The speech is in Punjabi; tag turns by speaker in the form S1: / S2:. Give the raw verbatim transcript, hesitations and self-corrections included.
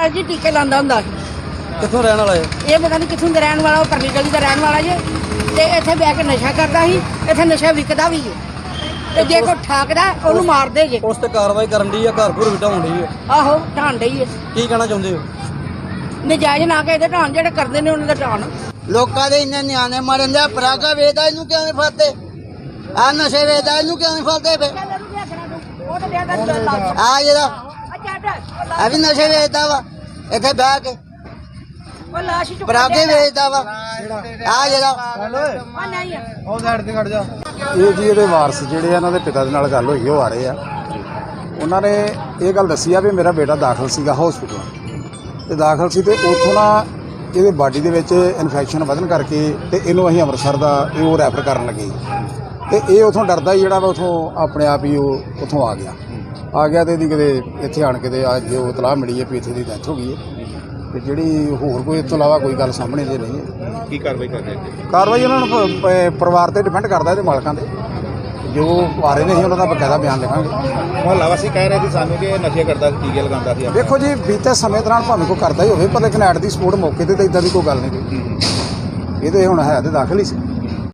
S1: ਜੀ ਟੀਕੇ ਲਾਉਂਦਾ ਹੁੰਦਾ ਸੀ।
S2: ਕਿੱਥੋਂ ਰਹਿਣ ਵਾਲਾ ਹੈ
S1: ਇਹ ਪਤਾ ਨਹੀਂ ਕਿੱਥੋਂ ਦਾ ਰਹਿਣ ਵਾਲਾ, ਉਹ ਪਰਲੀ ਗਲੀ ਦਾ ਰਹਿਣ ਵਾਲਾ ਜੇ। ਤੇ ਇੱਥੇ ਬਹਿ ਕੇ ਨਸ਼ਾ ਕਰਦਾ ਸੀ, ਇੱਥੇ ਨਸ਼ਾ ਵਿਕਦਾ ਵੀ ਹੈ। ਤੇ ਜੇ ਕੋਈ ਠਾਕਦਾ ਉਹਨੂੰ ਮਾਰਦੇ ਜੇ।
S2: ਉਸ ਤੇ ਕਾਰਵਾਈ ਕਰਨ ਦੀ ਆ, ਘਰ ਘਰ ਵਿਟਾਉਣ ਦੀ ਹੈ।
S1: ਆਹੋ ਢਾਣ ਡਈ ਹੈ।
S2: ਕੀ ਕਹਿਣਾ ਚਾਹੁੰਦੇ ਹੋ?
S1: ਨਜਾਇਜ਼ ਨਾ ਕੇ ਇਹਦੇ ਢਾਣ ਜਿਹੜੇ ਕਰਦੇ ਨੇ ਉਹਨਾਂ ਦਾ ਢਾਣ।
S3: ਲੋਕਾਂ ਦੇ ਇੰਨੇ ਨਿਆਣੇ ਮਰਨ ਦੇ, ਪਰਾਗਾ ਵੇਚਦਾ ਇਹਨੂੰ ਕਿਉਂ ਨਹੀਂ ਫੜਦੇ? ਆ ਨਸ਼ੇ ਵੇਚਦਾ ਇਹਨੂੰ ਕਿਉਂ ਨਹੀਂ ਫੜਦੇ? ਫੇ ਆ ਜਿਹੜਾ ਆ ਵੀ ਨਸ਼ੇ ਵੇਚਦਾ ਵਾ ਇੱਥੇ ਬਹਿ ਕੇ, ਪਰਾਗੇ ਵੇਚਦਾ ਵਾ ਆ ਜਿਹੜਾ।
S2: ਉਹ ਸਾਈਡ ਤੇ ਖੜ ਜਾ।
S4: ਇਹ ਜੀ ਇਹਦੇ ਵਾਰਸ ਜਿਹੜੇ ਆ, ਇਹਨਾਂ ਦੇ ਪਿਤਾ ਦੇ ਨਾਲ ਗੱਲ ਹੋਈ, ਉਹ ਆ ਰਹੇ ਆ। ਉਹਨਾਂ ਨੇ ਇਹ ਗੱਲ ਦੱਸੀ ਆ ਵੀ ਮੇਰਾ ਬੇਟਾ ਦਾਖਲ ਸੀਗਾ ਹਸਪੀਟਲ ਤੇ ਦਾਖਲ ਸੀ ਤੇ ਉੱਥੋਂ ਨਾ ਇਹਦੇ ਬਾਡੀ ਦੇ ਵਿੱਚ ਇਨਫੈਕਸ਼ਨ ਵਧਣ ਕਰਕੇ ਤੇ ਇਹਨੂੰ ਅਸੀਂ ਅੰਮ੍ਰਿਤਸਰ ਦਾ ਇਹ ਉਹ ਰੈਫਰ ਕਰਨ ਲੱਗੇ ਤੇ ਇਹ ਉੱਥੋਂ ਡਰਦਾ ਹੀ ਜਿਹੜਾ ਵਾ ਉੱਥੋਂ ਆਪਣੇ ਆਪ ਹੀ ਉਹ ਉੱਥੋਂ ਆ ਗਿਆ ਆ ਗਿਆ ਤੇ ਇਹਦੀ ਕਿਤੇ ਇੱਥੇ ਆਣ ਕੇ ਤੇ ਅੱਜ ਉਹ ਇਤਲਾਹ ਮਿਲੀ ਹੈ ਵੀ ਇੱਥੇ ਦੀ ਡੈਥ ਹੋ ਗਈ ਹੈ। ਤੇ ਜਿਹੜੀ ਹੋਰ ਕੋਈ ਇਸ ਤੋਂ ਇਲਾਵਾ ਕੋਈ ਗੱਲ ਸਾਹਮਣੇ ਜੇ ਨਹੀਂ ਹੈ।
S5: ਕੀ ਕਾਰਵਾਈ ਕਰਦੇ ਹੋ?
S4: ਕਾਰਵਾਈ ਉਹਨਾਂ ਨੂੰ ਪ- ਪ- ਪਰਿਵਾਰ ਤੇ ਡਿਪੈਂਡ ਕਰਦਾ ਇਹਦੇ ਮਾਲਕਾਂ ਤੇ, ਜੋ ਆ ਰਹੇ ਨੇ ਅਸੀਂ ਉਹਨਾਂ ਦਾ ਬਕਾਇਦਾ ਬਿਆਨ ਲਿਖਾਂਗੇ।
S5: ਮੁਹੱਲਾ ਵਾਸੀ ਕਹਿ ਰਹੇ ਸੀ ਸਾਨੂੰ ਕਿ ਇਹ ਨਸ਼ੇ ਕਰਦਾ ਸੀ, ਟੀਕੇ ਲਗਾਉਂਦਾ ਸੀ।
S4: ਦੇਖੋ ਜੀ, ਬੀਤੇ ਸਮੇਂ ਦੌਰਾਨ ਭਾਵੇਂ ਕੋਈ ਕਰਦਾ ਹੀ ਹੋਵੇ, ਪਰ ਲੇਕਿਨ ਐਟ ਦੀ ਸਪੋਰਟ ਮੌਕੇ ਤੇ ਤਾਂ ਇਦਾਂ ਦੀ ਕੋਈ ਗੱਲ ਨਹੀਂ ਕੋਈ। ਇਹ ਤੇ ਹੁਣ ਹੈ ਤੇ ਦਾਖਲ ਹੀ ਸੀ।